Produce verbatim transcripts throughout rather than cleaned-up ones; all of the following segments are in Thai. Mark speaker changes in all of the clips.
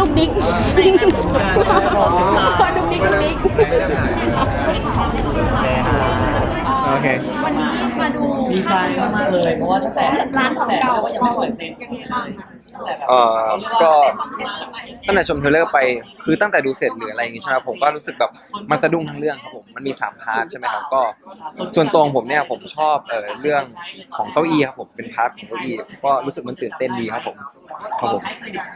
Speaker 1: ดุกดิ๊กดุกดิ๊กดุกดิ๊ก
Speaker 2: โอเค
Speaker 1: วันนี้มาดู
Speaker 3: ดีใจมากๆเลยเพราะว่าตั้งแต่
Speaker 1: ร้านของเก่า
Speaker 3: ยังไม่ปล่อยเซ็น
Speaker 1: ยังไงบ้างคะ
Speaker 4: เอ่อก็ตั้งแต่ชมเทรลเลอร์ไปคือตั้งแต่ดูเสร็จหรืออะไรอย่างงี้ใช่ไหมผมก็รู้สึกแบบมันสะดุ้งทั้งเรื่องครับผมมันมีสามพาร์ทใช่ไหมครับก็ส่วนตัวของผมเนี่ยผมชอบเอ่อเรื่องของเก้าอี้ครับผมเป็นพาร์ทของเก้าอี้ก็รู้สึกมันตื่นเต้นดีครับผมครับผม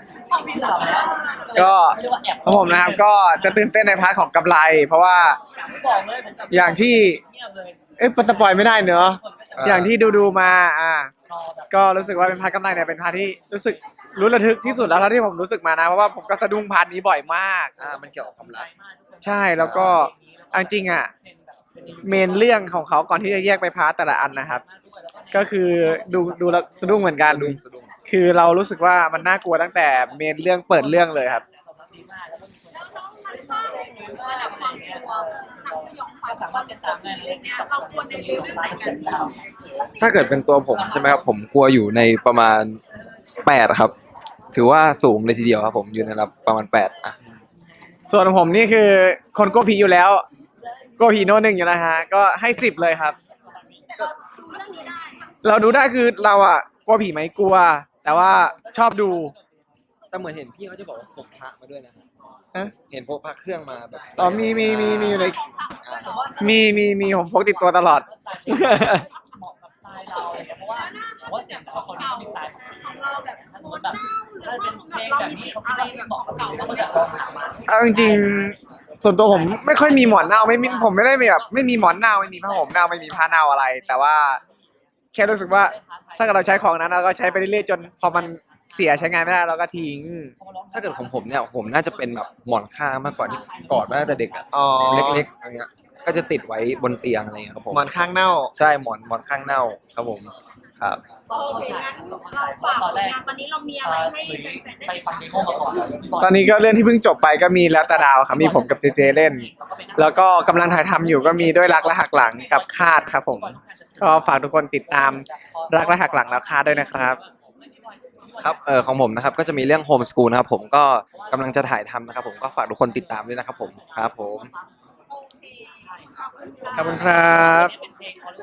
Speaker 2: ก็ของผมนะครับก็จะตื่นเต้นในพาร์ทของกำไร เพราะว่าอย่างที่เอ๊ะสปอยไม่ได้เนอะอย่างที่ดูดูๆมาอ่าก็รู้สึกว่าเป็นพาร์ทกำไรเนี่ยเป็นพาร์ทที่รู้สึกรู้ระทึกที่สุดแล้วเท่าที่ผมรู้สึกมานะเพราะว่าผมก็สะดุ้งพาร์ทนี้บ่อยมาก
Speaker 4: อ่ามันเกี่ยวกับความรัก
Speaker 2: ใช่แล้วก็เอาจริงอ่ะเมนเรื่องของเขาก่อนที่จะแยกไปพาร์ทแต่ละอันนะครับ ก็คือดูดูแล้วสะดุ้งเหมือนกัน
Speaker 4: สะดุ้งสะดุ้ง
Speaker 2: คือเรารู้สึกว่ามันน่ากลัวตั้งแต่เมนเรื่องเปิดเรื่องเลยครับ
Speaker 4: ถ้าเกิดเป็นตัวผมใช่ไหมครับผมกลัวอยู่ในประมาณแปดครับ ถือว่าสูงเลยทีเดียวครับผมอยู่ในระดับประมาณแปดอ่ะ
Speaker 2: ส่วนผมนี่คือคนกลัวผีอยู่แล้วกลัวผีโน่นหนึ่งอยู่แล้วฮะก็ให้สิบเลยครับ เราดูได้คือเราอ่ะกลัวผีไหมกลัว แต่ว่าชอบดู
Speaker 4: แต่เหมือนเห็นพี่เขาจะบอกว่าพกพระมาด้วยนะครับ
Speaker 2: ฮะ
Speaker 4: เห็นพกพระเครื่องมาแบบ
Speaker 2: อ๋อมีมีมีมีอยู่ใน
Speaker 4: อ่า
Speaker 2: มีมีมีผมพกติดตัวตลอด
Speaker 3: เหมาะกับสไตล์เราอะไรเงี้ยเพราะว่าเพราะว่าเสียงแต่ละคนก็มีสไตล์ของเราแบบถ้าสมมติแบบถ้าเป็นเพลงแบบนี้เขาอะไรเหมาะกับเราเราก็จะลองหามา
Speaker 2: เอาจริงๆส่วนตัวผมไม่ค่อยมีหมอนเน่าไม่มีผมไม่ได้มีแบบไม่มีหมอนเน่าไม่มีผ้าห่มเน่าไม่มีผ้าเน่าอะไร แต่ว่าแค่รู้สึกว่าถ้าเกิดเราใช้ของนั้นเราก็ใช้ไปเรื่อยๆจนพอมันเสียใช้งานไม่ได้เราก็ทิ้ง
Speaker 4: ถ้าเกิดของผมเนี่ยผมน่าจะเป็นแบบหมอนข้างมากกว่าที่กอดมาตั้งแต่เด็กอะ
Speaker 2: อ๋อ
Speaker 4: เล็กๆอะไรเงี้ยก็จะติดไว้บนเตียงอะไรเงี้ยครับผม
Speaker 2: หมอนข้างเน่า
Speaker 4: ใช่หมอนหมอนข้างเน่าครับผมครับ
Speaker 1: โอเคงั้นเราฝากผลงานตอนนี้เรามีอะไรให้แฟนๆ
Speaker 3: ไป
Speaker 1: ได้
Speaker 3: ฟังเดโมมาก่อน
Speaker 2: ตอนนี้ก็เรื่องที่เพิ่งจบไปก็มีแล้วแต่ดาวครับมีผมกับเจเจเล่น แล้วก็กำลังถ่ายทำอยู่ก็มีด้วยรักและหักหลังกับคาดครับผม ก็ฝากทุกคนติดตามรักและหักหลังแล้วคาดด้วยนะครับ
Speaker 4: ครับเออของผมนะครับก็จะมีเรื่องโฮมสกูลนะครับผมก็กำลังจะถ่ายทำนะครับผมก็ฝากทุกคนติดตามด้วยนะครับผมครับผม
Speaker 2: ขอบคุณครับ